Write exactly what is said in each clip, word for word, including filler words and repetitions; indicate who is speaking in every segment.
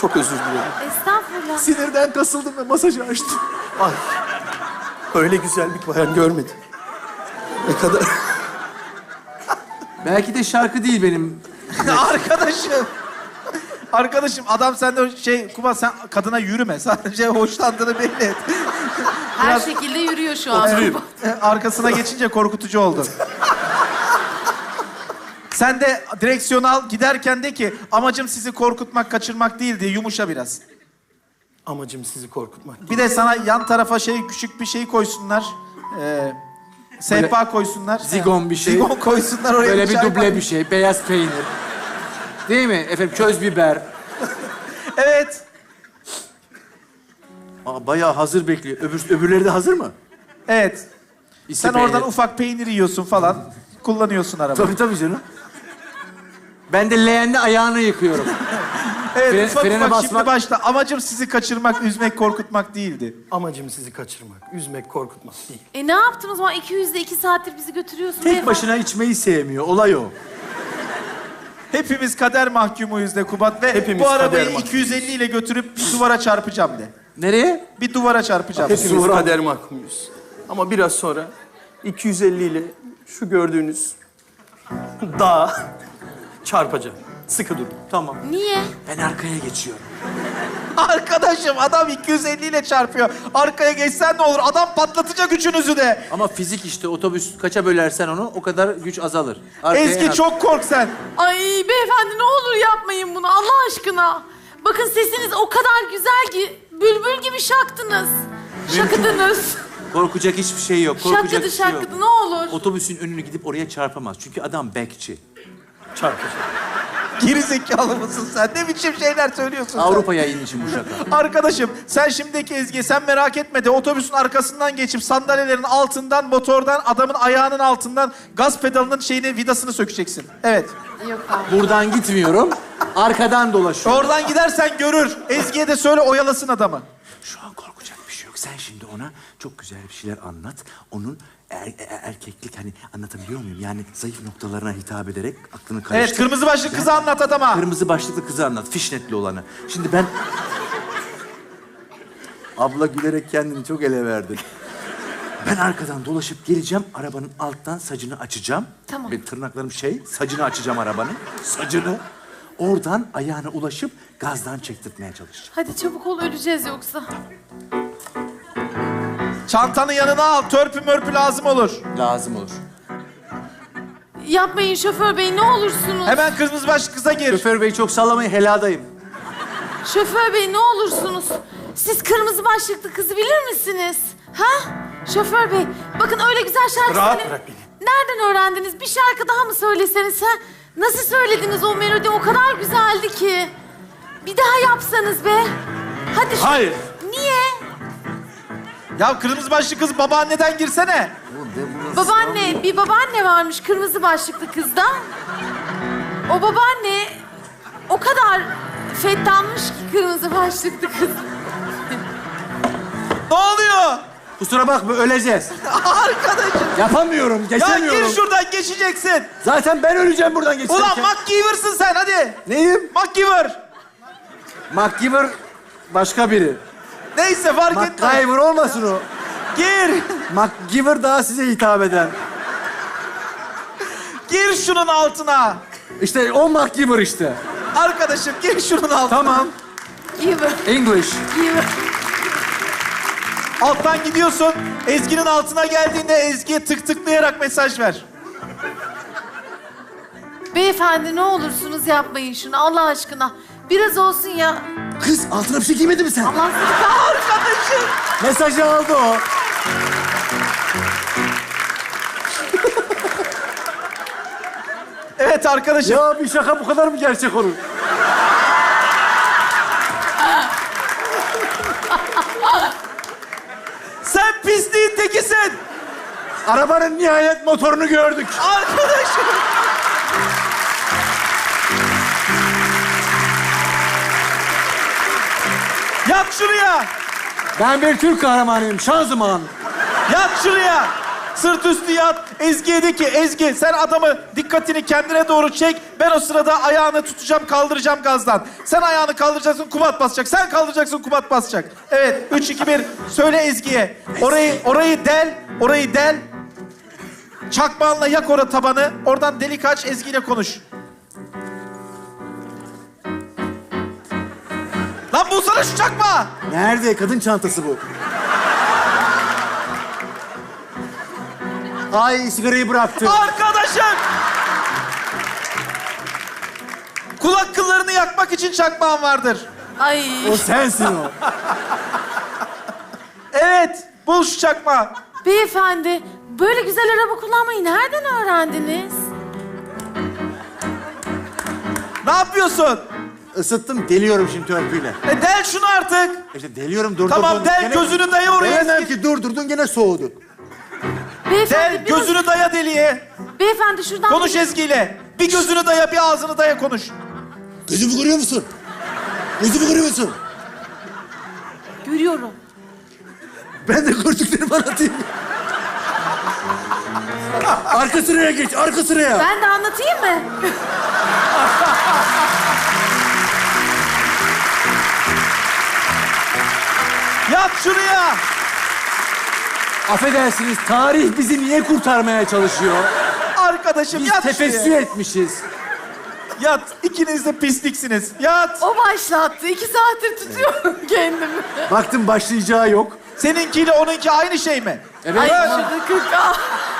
Speaker 1: Çok özür dilerim.
Speaker 2: Estağfurullah.
Speaker 1: Sinirden kasıldım ve masajı açtım. Ay. Öyle güzel bir bayan görmedim. Ne kadar...
Speaker 3: Belki de şarkı değil benim.
Speaker 4: Arkadaşım. Arkadaşım adam sende şey Kubat sen kadına yürüme. Sadece hoşlandığını belli et.
Speaker 2: Her
Speaker 4: Biraz
Speaker 2: şekilde yürüyor şu an.
Speaker 4: oturayım. Arkasına geçince korkutucu oldun. Sen de direksiyonu al giderken de ki amacım sizi korkutmak, kaçırmak değil diye yumuşa biraz.
Speaker 1: Amacım sizi korkutmak.
Speaker 4: Bir de sana yan tarafa şey küçük bir şey koysunlar. Ee, sehpa koysunlar.
Speaker 3: Zigon bir şey.
Speaker 4: Zigon koysunlar oraya.
Speaker 3: Böyle bir
Speaker 4: çay
Speaker 3: duble
Speaker 4: koy.
Speaker 3: bir şey. Beyaz peynir. Değil mi? Efendim köz biber.
Speaker 4: Evet.
Speaker 3: Aa, bayağı hazır bekliyor. Öbür, öbürleri de hazır mı?
Speaker 4: Evet.
Speaker 3: İşte
Speaker 4: Sen
Speaker 3: peynir.
Speaker 4: oradan ufak peynir yiyorsun falan. Kullanıyorsun arabayı.
Speaker 3: Tabii tabii canım. Ben de leğenle ayağını yıkıyorum.
Speaker 4: Evet,
Speaker 3: Fre-
Speaker 4: ufak
Speaker 3: frene
Speaker 4: ufak
Speaker 3: basmak-
Speaker 4: şimdi başla. Amacım sizi kaçırmak, üzmek, korkutmak değildi.
Speaker 1: Amacım sizi kaçırmak, üzmek, korkutmak değil.
Speaker 2: E ne yaptın o zaman? iki yüzde iki saattir bizi götürüyorsun.
Speaker 3: Tek
Speaker 2: beyefendi.
Speaker 3: başına içmeyi sevmiyor. Olay o.
Speaker 4: Hepimiz kader mahkumuyuz de Kubat ve
Speaker 1: Hepimiz
Speaker 4: bu arabayı
Speaker 1: kader mahkumuyuz.
Speaker 4: iki yüz elli ile götürüp bir duvara çarpacağım de.
Speaker 3: Nereye?
Speaker 4: Bir duvara çarpacağım.
Speaker 1: Hepimiz kader mahkumuyuz. Ama biraz sonra iki yüz elli ile şu gördüğünüz dağa çarpacağım. Sıkı durun.
Speaker 3: Tamam.
Speaker 2: Niye?
Speaker 3: Ben arkaya geçiyorum.
Speaker 4: Arkadaşım adam iki yüz elli ile çarpıyor. Arkaya geçsen ne olur? Adam patlatacak üçünüzü de.
Speaker 3: Ama fizik işte otobüs kaça bölersen onu o kadar güç azalır. Arkaya
Speaker 4: Ezgi
Speaker 3: yap-
Speaker 4: çok kork sen.
Speaker 2: Ay beyefendi ne olur yapmayın bunu Allah aşkına. Bakın sesiniz o kadar güzel ki bülbül gibi şaktınız. Şakıdınız.
Speaker 3: Korkacak hiçbir şey yok. Korkacak
Speaker 2: Şakıdı
Speaker 3: bir şey yok.
Speaker 2: şakıdı ne olur.
Speaker 3: Otobüsün önünü gidip oraya çarpamaz. Çünkü adam bekçi.
Speaker 1: Çarpacağım.
Speaker 4: Geri zekalı mısın sen? Ne biçim şeyler söylüyorsun sen?
Speaker 3: Avrupa yayını için bu şaka.
Speaker 4: Arkadaşım sen şimdiki Ezgi sen merak etme de otobüsün arkasından geçip sandalyelerin altından, motordan, adamın ayağının altından gaz pedalının şeyini, vidasını sökeceksin. Evet.
Speaker 2: Yok abi.
Speaker 3: Buradan gitmiyorum. Arkadan dolaşıyorum.
Speaker 4: Oradan gidersen görür. Ezgi'ye de söyle oyalasın adamı.
Speaker 3: Şu an korkacak bir şey yok. Sen şimdi ona çok güzel bir şeyler anlat. Onun er- er- erkeklik hani anlatabiliyor muyum? Yani zayıf noktalarına hitap ederek aklını karıştır.
Speaker 4: Evet kırmızı başlı kızı anlat adama.
Speaker 3: Kırmızı başlıklı kızı anlat. Fişnetli olanı. Şimdi ben... Abla gülerek kendini çok ele verdin. Ben arkadan dolaşıp geleceğim. Arabanın alttan sacını açacağım.
Speaker 2: Tamam.
Speaker 3: Benim tırnaklarım şey, sacını açacağım arabanın. Sacını. Oradan ayağına ulaşıp gazdan çektirtmeye çalışacağım.
Speaker 2: Hadi çabuk ol öleceğiz yoksa.
Speaker 4: Çantanı yanına al. Törpü mörpü lazım olur.
Speaker 3: Lazım olur.
Speaker 2: Yapmayın şoför bey ne olursunuz.
Speaker 4: Hemen kırmızı başlı kıza gir.
Speaker 3: Şoför bey çok sallamayın, heladayım.
Speaker 2: Şoför bey ne olursunuz. Siz kırmızı başlıklı kızı bilir misiniz? Ha? Şoför bey bakın öyle güzel şarkı
Speaker 1: Rahat
Speaker 2: söyle-
Speaker 1: bırak beni.
Speaker 2: Nereden öğrendiniz? Bir şarkı daha mı söyleseniz ha? Nasıl söylediniz o melodi? O kadar güzeldi ki. Bir daha yapsanız be. Hadi şu...
Speaker 1: Hayır.
Speaker 2: Niye?
Speaker 4: Ya kırmızı başlı kız babaanneden girsene.
Speaker 2: Babaanne, bir babaanne varmış kırmızı başlıklı kızda. O babaanne o kadar fettanmış ki kırmızı başlıklı kız.
Speaker 4: Ne oluyor?
Speaker 3: Kusura bakma, öleceğiz.
Speaker 4: Arkadaşım.
Speaker 3: Yapamıyorum,
Speaker 4: Ya
Speaker 3: geçemiyorum.
Speaker 4: gir şuradan geçeceksin.
Speaker 3: Zaten ben öleceğim buradan geçerken.
Speaker 4: Ulan MacGyver'sın sen hadi.
Speaker 3: Neyim?
Speaker 4: MacGyver.
Speaker 3: MacGyver başka biri.
Speaker 4: Neyse fark etme.
Speaker 3: MacGyver olmasın o.
Speaker 4: Gir.
Speaker 3: MacGyver daha size hitap eden.
Speaker 4: Gir şunun altına.
Speaker 3: İşte o MacGyver işte.
Speaker 4: Arkadaşım gir şunun altına.
Speaker 3: Tamam.
Speaker 2: Giver,
Speaker 3: English.
Speaker 2: giver.
Speaker 4: Alttan gidiyorsun. Ezgi'nin altına geldiğinde Ezgi'ye tık tıklayarak mesaj ver.
Speaker 2: Beyefendi ne olursunuz yapmayın şunu Allah aşkına. Biraz olsun ya.
Speaker 3: Kız altına bir şey giymedi mi sen?
Speaker 2: Allah sizi kahretsin.
Speaker 4: Arkadaşım.
Speaker 3: Mesajı aldı o.
Speaker 4: Evet arkadaşım.
Speaker 3: Ya bir şaka bu kadar mı gerçek olur?
Speaker 4: Sen pisliğin tekisin.
Speaker 3: Arabanın nihayet motorunu gördük.
Speaker 4: Arkadaşım. Yat şuraya.
Speaker 3: Ben bir Türk kahramanıyım, şanzıman.
Speaker 4: Yat şuraya. Sırt üstü yat. Ezgi'ye de ki Ezgi sen adamı dikkatini kendine doğru çek. Ben o sırada ayağını tutacağım, kaldıracağım gazdan. Sen ayağını kaldıracaksın, Kubat basacak. Sen kaldıracaksın, Kubat basacak. Evet, üç, iki, bir. Söyle Ezgi'ye. Orayı, orayı del, orayı del. Çakmağınla yak orada tabanı. Oradan delik aç, Ezgi ile konuş. Lan bulsana şu çakmağı.
Speaker 3: Nerede? Kadın çantası bu. Ay sigarayı bıraktı.
Speaker 4: Arkadaşım! Kulak kıllarını yakmak için çakmağın vardır.
Speaker 2: Ay.
Speaker 3: O sensin o.
Speaker 4: Evet, bul şu çakmağı.
Speaker 2: Beyefendi, böyle güzel araba kullanmayı nereden öğrendiniz?
Speaker 4: Ne yapıyorsun?
Speaker 3: Isıttım, deliyorum şimdi törpüyle.
Speaker 4: E del şunu artık.
Speaker 3: İşte deliyorum, durdurdun.
Speaker 4: Tamam, del, gözünü daya oraya.
Speaker 3: Delemem ki durdurdun, gene soğudu.
Speaker 2: Beyefendi,
Speaker 4: Del,
Speaker 2: biraz-
Speaker 4: gözünü daya deliğe.
Speaker 2: Beyefendi şuradan...
Speaker 4: Konuş Ezgi'yle. Bir gözünü daya, bir ağzını daya konuş.
Speaker 3: Gözümü görüyor musun? Gözümü görüyor musun?
Speaker 2: Görüyorum.
Speaker 3: Ben de gördüklerimi anlatayım. Arka sıraya geç, arka sıraya.
Speaker 2: Ben de anlatayım mı?
Speaker 4: Yat şuraya.
Speaker 5: Affedersiniz, tarih bizi niye kurtarmaya çalışıyor?
Speaker 4: Arkadaşım
Speaker 5: Biz
Speaker 4: yat
Speaker 5: tefessü
Speaker 4: şuraya.
Speaker 5: etmişiz.
Speaker 4: Yat. İkiniz de pisliksiniz. Yat.
Speaker 2: O başlattı. İki saattir tutuyorum kendimi.
Speaker 3: Baktım başlayacağı yok.
Speaker 4: Seninkiyle onunki aynı şey mi?
Speaker 5: Evet.
Speaker 2: Ay
Speaker 4: Evet.
Speaker 2: şurada kırk. Ah.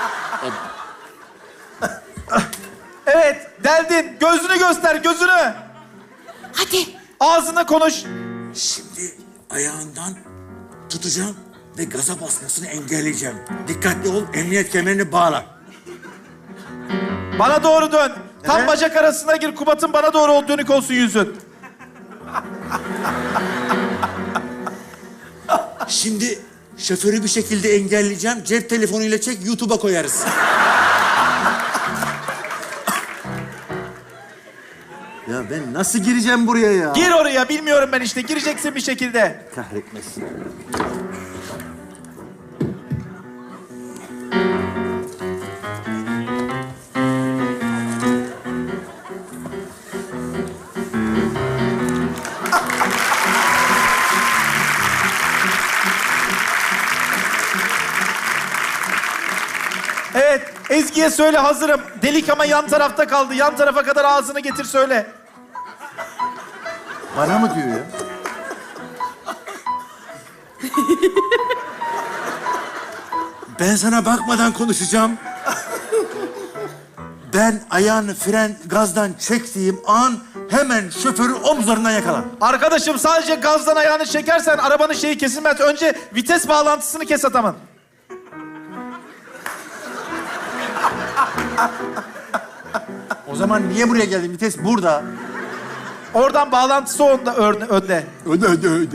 Speaker 4: Evet, deldin. Gözünü göster, gözünü.
Speaker 2: Hadi.
Speaker 4: Ağzına konuş.
Speaker 6: Şimdi ayağından tutacağım ve gaza basmasını engelleyeceğim. Dikkatli ol, emniyet kemerini bağla.
Speaker 4: Bana doğru dön. Tam bacak arasına gir. Kubat'ın bana doğru ol, dönük olsun yüzün.
Speaker 6: Şimdi şoförü bir şekilde engelleyeceğim. Cep telefonuyla çek, YouTube'a koyarız.
Speaker 3: Ya ben nasıl gireceğim buraya ya?
Speaker 4: Gir oraya, bilmiyorum ben işte. Gireceksin bir şekilde.
Speaker 3: Kahretmesin.
Speaker 4: Evet, Ezgi'ye söyle hazırım. Delik ama yan tarafta kaldı. Yan tarafa kadar ağzını getir söyle.
Speaker 3: Bana mı diyor ya?
Speaker 6: Ben sana bakmadan konuşacağım. Ben ayağını fren gazdan çektiğim an hemen şoförü omuzlarından yakala.
Speaker 4: Arkadaşım sadece gazdan ayağını çekersen arabanın şeyi kesilmez. Önce vites bağlantısını kes adamın.
Speaker 3: O zaman niye buraya geldin? Vites burada.
Speaker 4: Oradan bağlantısı onda, önde. önde.
Speaker 3: Öde öde öde.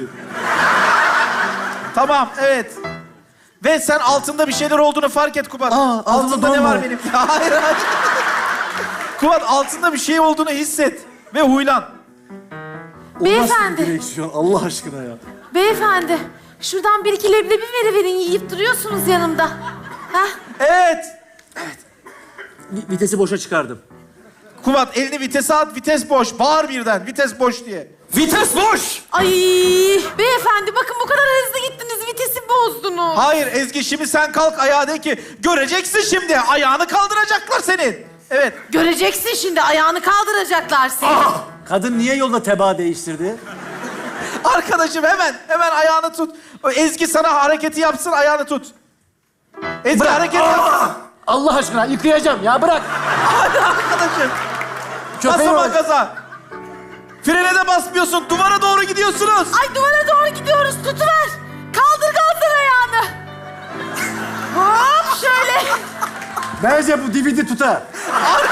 Speaker 4: Tamam, evet. Ve sen altında bir şeyler olduğunu fark et Kubat.
Speaker 3: Aa, altında
Speaker 4: altında ne
Speaker 3: don
Speaker 4: var
Speaker 3: var.
Speaker 4: benim? Hayır, hayır. Kubat altında bir şey olduğunu hisset ve huylan.
Speaker 2: Beyefendi.
Speaker 3: Direksiyon Allah aşkına ya.
Speaker 2: Beyefendi. Şuradan bir iki leblebi veriverin. Yiyip duruyorsunuz yanımda. Hah.
Speaker 4: Evet.
Speaker 5: Vi- Vitesi boşa çıkardım.
Speaker 4: Kubat elini vitese at, vites boş. Bağır birden, vites boş diye.
Speaker 5: Vites boş!
Speaker 2: Ay. Beyefendi bakın bu kadar hızlı gittiniz. Vitesi bozdunuz.
Speaker 4: Hayır Ezgi, şimdi sen kalk ayağa de ki göreceksin şimdi. Ayağını kaldıracaklar senin. Evet.
Speaker 2: Göreceksin şimdi. Ayağını kaldıracaklar seni.
Speaker 5: Kadın niye yolda tebaa değiştirdi?
Speaker 4: Arkadaşım hemen, hemen ayağını tut. O Ezgi sana hareketi yapsın, ayağını tut. Ezgi hareket yap.
Speaker 5: Allah aşkına yıkayacağım ya, bırak.
Speaker 4: Hadi arkadaşım.
Speaker 5: Köpeği
Speaker 4: Basama
Speaker 5: var.
Speaker 4: gaza. Frene de basmıyorsun. Duvara doğru gidiyorsunuz.
Speaker 2: Ay duvara doğru gidiyoruz. Tutuver. Kaldır kaldır ayağını. Hop şöyle.
Speaker 3: Bence bu D V D tutar.
Speaker 4: Ar-